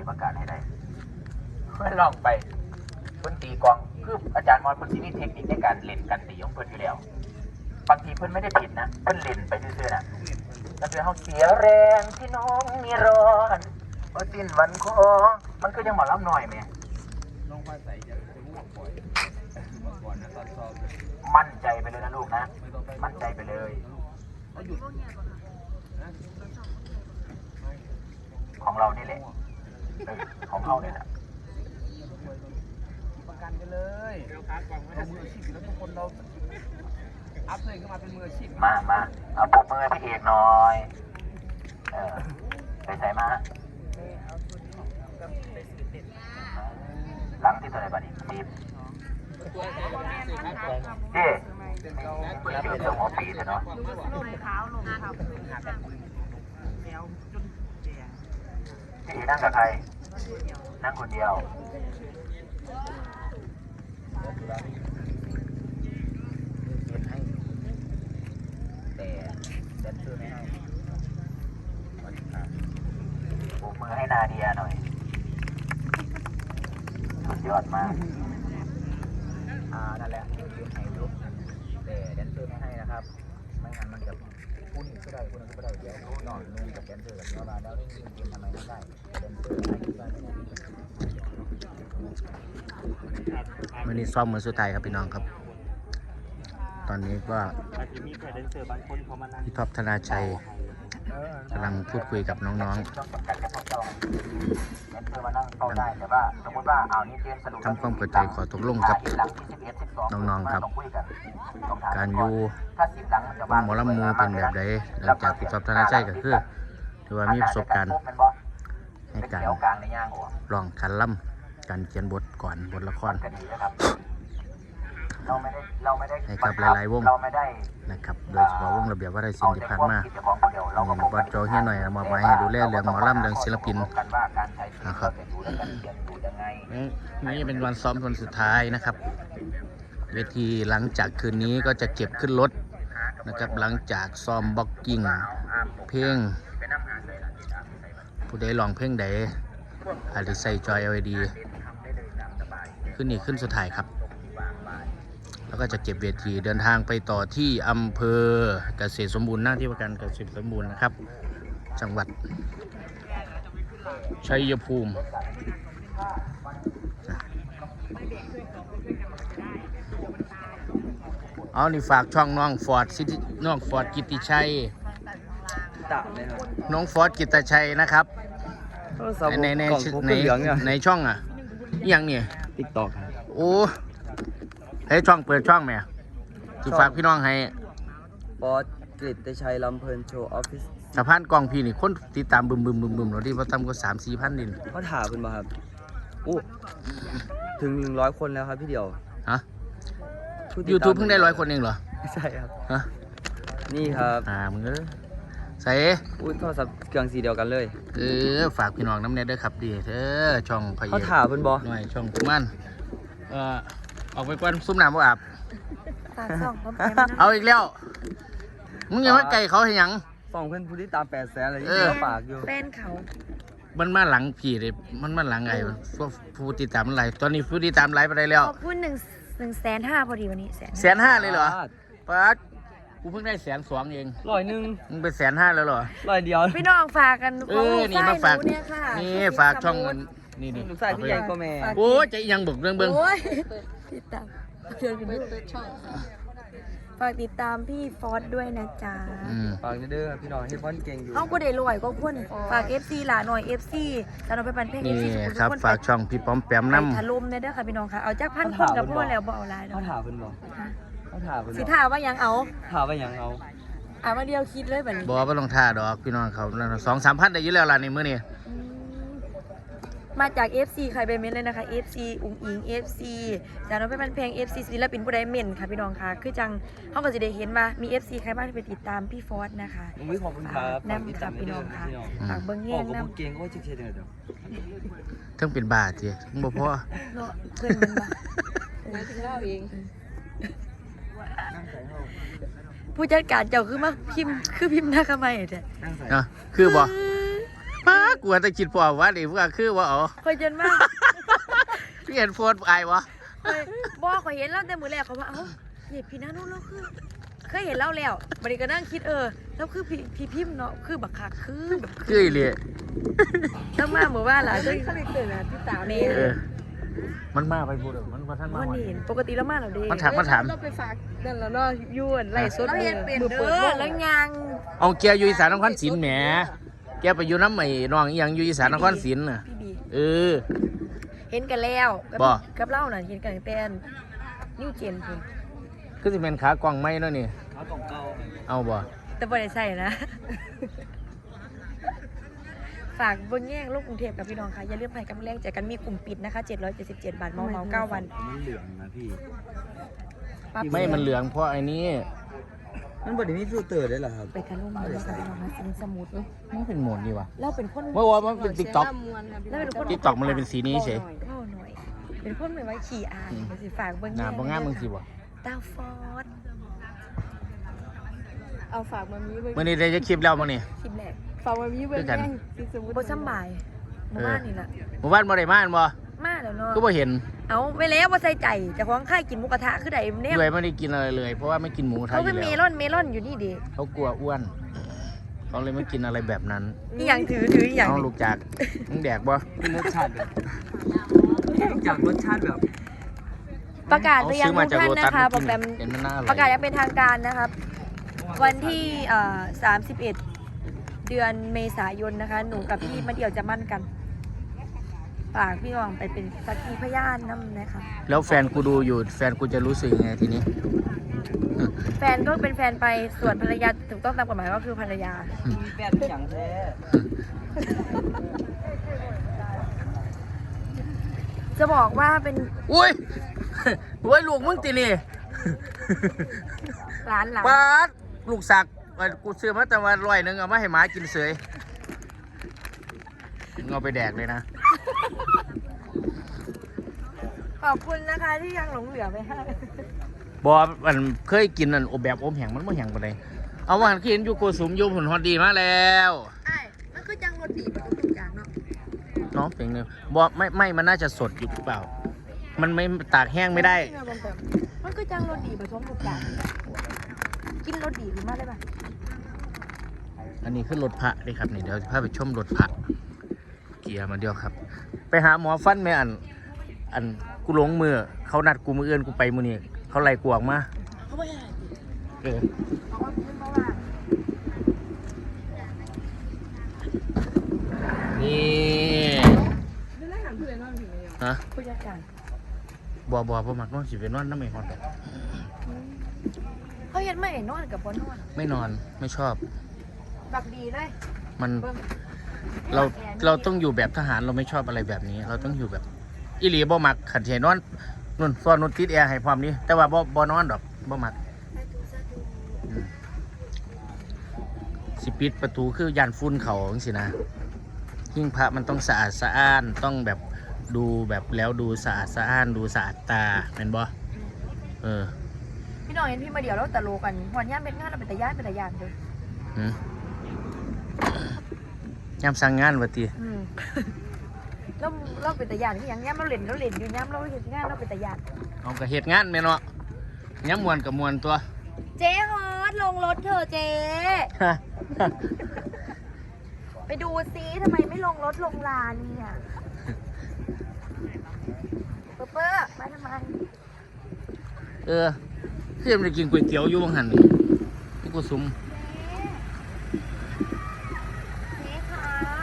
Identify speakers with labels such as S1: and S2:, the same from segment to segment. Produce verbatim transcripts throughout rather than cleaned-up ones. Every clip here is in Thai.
S1: ประกาศให้ได้เพื่อลองไปเพื่อนตีกองคืออาจารย์มอนเพื่อนที่นี่เทคนิคในการเล่นการตีของเพื่อนอยู่แล้วบางทีเพื่อนไม่ได้ผิดนะเพื่อนเล่นไปเรื่อยๆนะแล้วเพื่อนเขาเสียแรงที่น้องมีร้อนพอสิ้นวันคอมันก็ยังหมอลำหน่อยไหมน้องฟ้าใสจะจะรู้ว่าปล่อยก่อนนะตอนซ้อมมั่นใจไปเลยนะลูกนะมั่นใจไปเลยของเรานี่แหละของเราเนี่ยแหละประกันไปเลยเรามืออาชีพแล้วทุกคนเราอัพเลยก็มาเป็นมืออาชีพมามาเอาปรบมือพี่เอกหน่อยเออไปใส่มาหลังที่ตัวไหนบ้างอีกทีมเจ๊เป็นตัวหัวปีเลยเนาะพี่นั่งกับใครนั่งคนเดียวแต่แดนเซอร์ไม่ให้ปรบมือให้นาเดียหน่อยสุดยอดมากอ่านั่นแหละคือให้ลูกแต่แดนเซอร์ไม่ให้นะครับไม่งั้นมันจะพูดอีกก็ได้พูดอีกก็ได้เดี๋ยวนอนนุ่งกับแดนเซอร์กับเนื้อมาแล้วเล่นยิงกินทำไมไม่ได้แดนเซอร์ให้ที่บ้านไม่ได้
S2: วันนี้ซ้อมมือสุดท้ายครับพี่น้องครับตอนนี้ก็พี่ท็อปธนาชัยกำลังพูดคุยกับน้องๆทำความเข้าใจขอตกลงกับน้องๆครับการอยู่วงหมอลำมูเป็นแบบใดหลังจากพี่ท็อปธนาชัยก็คือถือว่ามีประสบการณ์ในการร้องคันล่ำการเขียนบทก่อนบทละครให้กับหลายๆวงนะครับโดยเฉพาะวงระเบียบวัฒนศิลป์ที่ผ่านมาบอสโจเฮียหน่อยมาไว้ให้ดูแลเรื่องหมอลำเรื่องศิลปินนะครับนี่เป็นวันซ้อมวันสุดท้ายนะครับเวทีหลังจากคืนนี้ก็จะเก็บขึ้นรถนะครับหลังจากซ้อมบ็อกกิ้งเพลงผู้ใดร้องเพลงใดอาจจะใส่จอย แอล อี ดี ขึ้นนี่ขึ้นสุดท้ายครับแล้วก็จะเก็บเวทีเดินทางไปต่อที่อำเภอเกษตรสมบูรณ์หน้าที่ว่าการเกษตรสมบูรณ์นะครับจังหวัดชัยภูมิเอานี่ฝากช่องน้องฟอร์ดซิตี้น้องฟอร์ดกิตติชัยน้องฟอร์ดกิตติชัยนะครับในในในในช่องอ่ะยังเนี่ยติ๊กต็อกโอ้ให้ช่องเปิดช่องไหมที่ฝากพี่น้องให้
S3: ฟอร์ดกฤตติชัยลำเพลินโชว์ออฟฟิศ
S2: สะพานกองพี่นี่คนติดตามบึมบึมบึมบึมเราที่ว่าทำก็สามสี่พันดิน
S3: เขาถามคุณมาครับอู้ถึงหนึ่งร้อยคนแล้วครับพี่เดียว
S2: ฮะยูทูบเพิ่งได้ร้อยคนเองเหรอ
S3: ใช่ครับ
S2: ฮะ
S3: นี่ครับ
S2: อ่ามึงเออใส่
S3: อุ้ยโทรศัพท์เครื่องสีเดียวกันเลย
S2: เออฝากพี่น้องน้ำเน็ตด้วยครับดีเธอช่องพาย
S3: เขาถามคุณบอ
S2: หน่อยช่องกุมันเออออกไปกวนซุ้มน้ำบ่อาบเอาอีกแล้วมึงยังไม่ไก่เขาเห็นยัง
S3: สองเพื่อนผู้ที่ตามแปดแสนอะไรที่เขาปากอยู่
S4: แฟนเขา
S2: มันมาหลังผีเลยมันมาหลังไงพวกผู้ติดตามอะไรตอนนี้ผู้ติดตามไลฟ์ไปได้แล้ว
S4: ขอบคุณหนึ่งหนึ่งแสนห้าพอดีวันนี้แสน
S2: แสนห้าเลยเหรอป๊าดกูเพิ่งได้แสนสองเอง
S3: ร้อยหนึ่ง
S2: มึงเป็นแสนห้าแล้วเหรอ
S3: ร้อยเดียว
S4: พี่น้องฝากกัน
S2: เออนี่มาฝากนี่ฝากช่องนี่นี่
S3: ลูกชายพี่ใหญ่ก็แม่
S2: โอ้ใจยังบึกเรื่องเบิ้ง
S4: ติดตามเชิญไปดูช่องฝากติดตามพี่ฟอสด้วยนะจ๊ะ
S3: ฝากเด้อพี่น้องให้ฟอนเก่งอยู่
S4: เขาก็ได้รวยก็พุ่นฝาก เอฟ ซี หลาหน่อย เอฟ ซีแล้วเราไปปั่นเพลง
S2: เอฟ ซี ครับฝากช่องพี่ป้อมแปมน้ำ
S4: ถล่มเนี่ยเด้อค่ะพี่น้องค่ะเอาจากพันคนกับพ่อแล้วบ่เอาหลาย
S3: เขาถามเพิ่นบ่เขาถามเพิ่น
S4: สิถามว่ายังเอา
S3: ถามว่ายังเอา
S4: อ่ามาเดียวคิดเลยแบบนี้
S2: บอกว่าลงท่าดอกพี่น้องเขาสองสามพันได้ยิ่งแล้วล่ะในมื้อนี้
S4: มาจาก เอฟ ซี ใครไปเม้นเลยนะคะ เอฟ ซี อุ้งอิง เอฟ ซี จากน้องเป็นเพลง เอฟ ซี ศิลปินผู้ใดเม้นค่ะพี่น้องค่ะคือจังเขาก็จะได้เห็นว่ามี เอฟ ซี ใครบ้างที่ไปติดตามพี่ฟอสนะคะ
S3: อุ้ยขอบคุณครับ
S4: นำกับพี่น้องค่ะฝากเบิ้งแง่งนำ
S3: เก่งก็เช็ดๆเด้อ
S2: ทั้งเป็นบาทจีบ่พอ
S4: เนาะเพื่อนมันบ้าไม่ถึงเล่าเองผู้จัดการเจ้าคือมาพิมพ์คือพิมพ์หน้าขมายแต่
S2: เนาะคือบ่ป๊ากลัวจะคิดพอว่าดิพวกคือว่าอ๋อ
S4: คอยจนมาก
S2: พี่เห็นโฟนไอวะ
S4: คอยบอกคอยเห็นแล้วแต่มือแรกเขาว่าเอ้าเนี่ยพี่นาโนเราคือเคยเห็นเล่าแล้วบัดนี้ก็นั่งคิดเออแล้วคือพี่พี่พิมพ์เนาะคือบักคักคือแบบ
S2: คืออีเลย
S4: ต้องมาหมู่บ้านหล่ะซึ่งเขาเลยตื่นนะพี่สาวเมย์
S2: เออมันมาไปพูดมันมาท่านมา
S4: วัน
S2: วัน
S4: นี้เห็นปกติแล้วมาเราเด้
S2: มันถามมันถาม
S5: เราไปฝากนั่นแล้วเนาะยวนไล่สด
S4: เราเห็นเปลี่ยน
S5: มือ
S4: เด้
S5: เปิด
S4: อ
S5: วง
S4: แล้วยัง
S2: เอาเกียร์อยู่อีสานนครศรีแหมแกไปอยู่น้ำใหม่น้องอีหยังอยู่อีสานนครศรีน่ะ
S4: พี่บี
S2: เออ
S4: เห็นกันแล้วกับ
S2: บ่
S4: กับเล่าน่ะเห็นกันตั้งแต่นิวเจนคุณ
S2: คือสิเป็นขากล่องไม้เนาะนี่
S3: เขาต้องเก่า
S2: เอาบ่
S4: แต่บ่ได้ใส่นะ ฝากเบนแย่งลูกกรุงเทพกับพี่น้องค่ะอย่าลืมให้กำลังแรงใจกันมีกลุ่มปิดนะคะเจ็ดร้อยเจ็ดสิบเจ็ดบาทเมาเมาเก้าวัน
S3: มันเหลืองนะพี่
S4: ปั๊บ
S2: ไม่มันเหลืองเพราะไอ้นี้
S3: มันบไดมีฟิลเตอร์ได้เหรอครับ
S4: ไปกันลูกมาแล้วค่ะพี่น้องนะสินสมุด
S2: มันเป็นโหมดดีว่ะ
S4: เราเป็นคน
S2: เมื่อวานมันเป็นติ๊กต็อก
S4: เราเป็นคน
S2: ติ๊กต็อกมันเลยเป็นสีนี้เฉย
S4: เล่าหน่อย เป็นคนไม่ไว้ขี่อายไปสิฝากเบิ้ง
S2: หน้าบ่งามมึงสิบ่
S4: ตาฟอส
S5: เอาฝากมามีไว้
S2: มื่อนี้ได้จะคลิปแล้วมั้งนี่
S4: คลิปแรก
S5: ฝากมามีไว้
S2: คือกัน
S5: แย่งสิสมมุติ
S4: โบสำบายหมู่บ้านนี่ล่ะ
S2: หมู่บ้านบ่ได้มาอันบ่
S4: มาแล้วเนาะ
S2: ก็บ่เห็น
S4: เอาไปแล้วว่าใส่ใจแต่ของค่ายกินหมูกระทะคือใดเนี่ย
S2: ด้วยไม่ได้กินอะไรเลย เพราะว่าไม่กินหมูกระทะ
S4: เขา
S2: อ
S4: เป็น
S2: ยู่
S4: เม
S2: แล้ว
S4: ลอนเมลอนอยู่นี่เด็ก
S2: เขากลัวอ้วนเขาเลยไม่กินอะไรแบบนั้น
S4: อีหยังถือถืออีหยัง
S2: น้องลูกจากมึงแดกบ่
S3: รสชาติแบบจากรสชาติแบบ
S4: ประกาศไปยัง
S2: เอ
S4: ทุกท่านนะคะโปรแกรม
S2: เห็นมันน่าอร่อย
S4: ประกาศอยังเป็นทางการนะครับ วันที่เอ่อสามสิบเอ็ดเดือนเมษายนนะคะ หนูกับพี่มาเดี่ยวจะมั่นกันฝากพี่น้องไปเป็นสักขีพยานน้ำนะคะ
S2: แล้วแฟนกูดูอยู่ แฟนกูจะรู้สึกยังไงทีนี้
S4: แฟนก็เป็นแฟนไปส่วนภรรยาถูกต้องตามกฎหมายก็คือภรรยา
S3: มีแฟนอย่างแท้
S4: จะบอกว่าเป็น
S2: อุ้ย โอ้ยลูกมึงตีนี่
S4: ร้านหลัง
S2: ปาดลูกสักกูซื้อมาแต่ว่าร้อยหนึงเอามาให้หมากินเสยมึงเอาไปแดกเลยนะ
S4: ขอบคุณนะคะที่ยังหลงเหลือไปให้
S2: บอมันเคยกินอันอบแบบอบแห้งมันไม่แห้งปานใดเอาว่าหันกินอยู่โกสุมอยู่ผลฮอดดีมาแล้ว
S5: ใช่มันคือจังรถถีบประตูกลางเนาะ
S2: เน้องเป็นเนี่ยบอไม่ไม่มันน่าจะสดอยู่หรือเปล่า มันไม่ตากแห้งไม่ได้
S4: มันก็จังรสดีผสมทุกอย่างกินรสดีหรือไม่ได้ปะ
S2: อันนี้คือรถพระเลยครับนี่เดี๋ยวพาไปชมรถพระเกียร์มาเดียวครับ ไปหาหมอฟันไหมอัน อันกูหลงมือเขานัดกูมือเอื้อนกูไปมือนี่เขาไล่กูออกมา
S4: เขาไม่ให้
S2: เออ
S4: เพราะว่าขึ้นเพราะว่า
S2: นี่
S5: ไม่ได้ถามเพื่อนว่ามันถึงไหนยัง
S2: ฮะ
S4: ผู้จัดการ
S2: บอบอบอมักนอนสิเป็นนอนน้ำไม่ฮอดดอก
S4: เขาเห็นไม่นอนกับบนนอน
S2: ไม่นอนไม่ชอบ
S4: บักดีเลย
S2: มัน
S4: เบิ่ง
S2: เราเราต้องอยู่แบบทหารเราไม่ชอบอะไรแบบนี้ เราต้องอยู่แบบอีหลีบ่มักขันเทนอนนุ่นซ้อนนุ่นติดแอร์ให้พร้อมนี้แต่ว่าบ่บ่นอนดอกบ่มักอืมสิปิดประตูคือยานฝุ่นเขาจังซี่นะหิ้งพระมันต้องสะอาดสะอ้านต้องแบบดูแบบแล้วดูสะอาดสะอ้านดูสะอาดตาเป็นบ่เออ
S4: พี่น้องเห็นพี่มาเดี๋ยวแล้วแต่โลกันวันย่ามเป็นงานเราเป็นตะย่านเป็นตะย่านเลย
S2: หืมยามสั่งงานว่าติ
S4: อืม แล้วเราเป็นตะย่านที่ยังย่ามเราเล่นเราเล่นอยู่ย่ามเราเห็นงานเราเป็นตะย่าน
S2: เอาก็เฮ็ดงานแม่เนาะยามมวนก็มวนตัว
S4: เจ๊ฮอตลงรถเธอะเจ๊ไปดูซิทำไมไม่ลงรถลงลานเนี่ยเปอร์เปอร์มาทำไม
S2: เออเพื่อนไปกินก๋วยเตี๋ยวอยู่บางหันนี่ที่กูซุม
S4: เจ๊คะ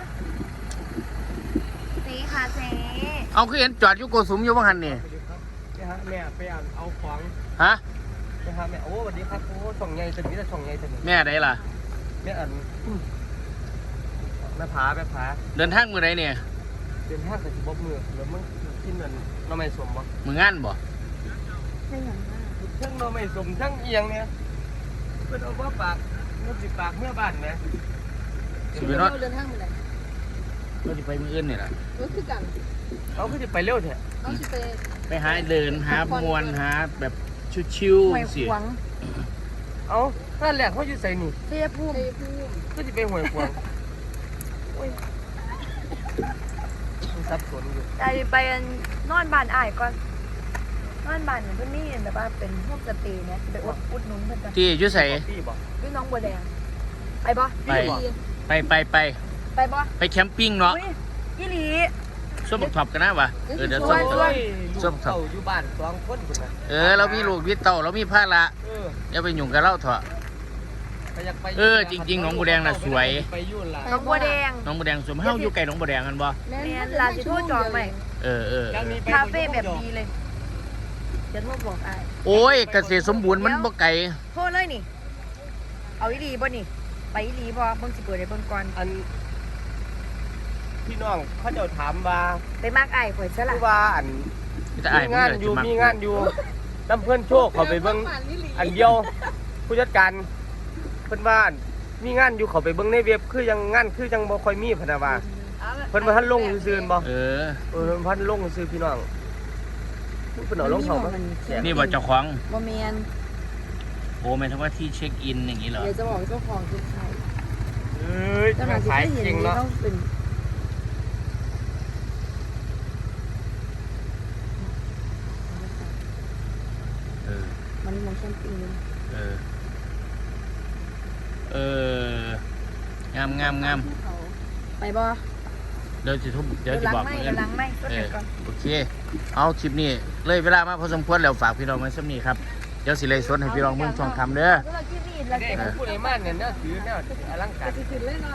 S4: เจ๊ค่ะเจ๊
S2: เอาคือเห็นจอดอยู่กูซุมอยู่บางหันนี่
S3: ไปหาแม่ไปอ่านเอาของ
S2: ฮะ
S3: ไปหาแม่โอ้สวัสดีครับโอ้ส่องใหญ่จะมีแต่ส่องใหญ่จะมี
S2: แม่ใดล่ะ
S3: แม่อันแม่ผาแม่ผา
S2: เดินทางมือใดเนี่ย
S3: เดินห้างกับสิบมือแล้วมึงกินเงินน้องไม่สมบ่
S2: มืองานบ่
S4: ไม่อย่างนั้น
S3: ทั้งน้องไม่สมทั้งเอียงเนี่ยเพิ่นเอาว่าปากเมื่อสิปากเมื่อบ้านนะ
S2: สิไปนอน
S5: เดินทางไปไหน
S2: ก็สิไปมืออื่นนี่ล่ะ
S5: รถคือกัน
S3: เอาคือจะไปเร็วแท้
S5: เอาสิไป
S2: ไปหาเดินหามวนหาแบบชิว
S4: หวย
S2: ๆสิ
S4: ขวาง
S3: เอาท่านแรกเขาอยู่ใส่นี่
S4: เสียภูมิ
S5: ไปพูด
S3: ก็จะไปหวยขวาง
S4: อ
S3: สับสนอยู่
S4: ใจไปนอนบ้านอ้ายก่อนนอนบ้านเนี่ยเพิ่นมีแต่ว่าเป็นโฮมสเตย์เนี่ยไปอุดอุดหนุนเพิ่นจ้ะ
S2: ที่อยุ่ใส่
S3: พี่บอก
S4: พี่น้องบัวแดงไปบ่
S2: ไป ไปไปไป
S4: ไปบ่
S2: ไปแคมปิ้งเนาะ
S4: อุ๊ยอีหลี
S2: ส้มบักท็อปกันนะวะเออเดี๋ยว
S4: ส่
S2: ส้
S4: ว
S2: ม
S4: น
S2: บัก
S4: ส่
S2: ท็
S4: ว
S2: อน ป ส้มครับ
S3: เขาอยู่บ้านสองคนคนน่ะ
S2: เออเรามีลูกวิเต่าเรามีผ้าละ
S3: เออ
S2: อย่าไปยุ่งกับเราเถอะ
S3: ไปอยากไป
S2: เออจริงๆหนองบัวแดงน่ะสวย
S3: ไปยุ่นล่ะ
S4: น้องบัวแดง
S2: น้องบัวแดงสมเฮาอยู่ไกลน้องบัวแดงกันบ่
S4: แม่นลาสิโทษจองใหม่
S2: เออเออเออ
S4: คาเฟ่แบบดีเลยเดี๋ยวโทรบอกอ้าย
S2: โอ้ยเกษตรสมบูรณ์มันบ่ไกล
S4: โทษเลยนี่ เอาอีหลีบ่นี่ ไปอีหลีบ่เบิ่งสิเปิดให้เบิ่งก่อน
S3: อันพี่น้องเขาเจ้าถามว่า
S4: ไปมากอ้ายข่อยซะ
S3: คื
S4: ล่ะ
S3: อว่าอัน
S2: แต่อ้าย
S3: มี
S2: มัน
S3: งาน
S2: ก็
S3: อยู่
S2: สิมัก
S3: มีงานอยู่น้ำเพื่อนโชคเขาไปเบิ้งอันเดียว ผู้จัดการเพิ่นว่ามีงานอยู่เขาไปเบิ้งในเว็บคือยังงานคือยังบ่ค่อยมีพะนะว่าเพิ่นบ่ทันลงซื่อๆบ่
S2: เออ
S3: เออเพิ่นบ่ทันลงซื่อพี่น้องเพิ่นเอาลงเขามาแจก
S2: นี่บ่เจ้าของ
S4: บ่แม่น
S2: โอ้หมายถึงว่าที่เช็คอินอย่างนี้เหรอ
S4: เดี๋ยวจะบอกเจ้าของคือใคร
S3: เอ้ย
S4: เจ้าหน้าที่
S3: ขาย
S4: ที่เห็น
S3: จริง
S4: นี่
S3: เนาะ
S4: ต้องเป็น
S2: เออ
S4: มันมองแคมปิ้งเลย
S2: เออ เอองามงามงาม
S4: ไปบ่
S2: เดี๋ยวจะทุบเดี๋ยวจะ
S4: ล้าง
S2: บอก
S4: ไม่
S2: เพื่อน
S4: ล้างไม่ก็
S2: เอ
S4: เดี๋ย
S2: อ
S4: วก่อน
S2: โอเค เอาคลิปนี้เลยเวลามาพอสมควรแล้วฝากพี่น้องไว้สักนี้ครับ เดี๋ยวสิเลยสดให้พี่น้องเมืองช่องคำเด้อ
S4: เราที่นี่เรา
S3: เด็
S4: เก็
S3: ก
S4: บ
S3: ผู้ใดมาเนี่ยแนวถือแนวอลังการ
S5: จะขึ้นเลยเนาะ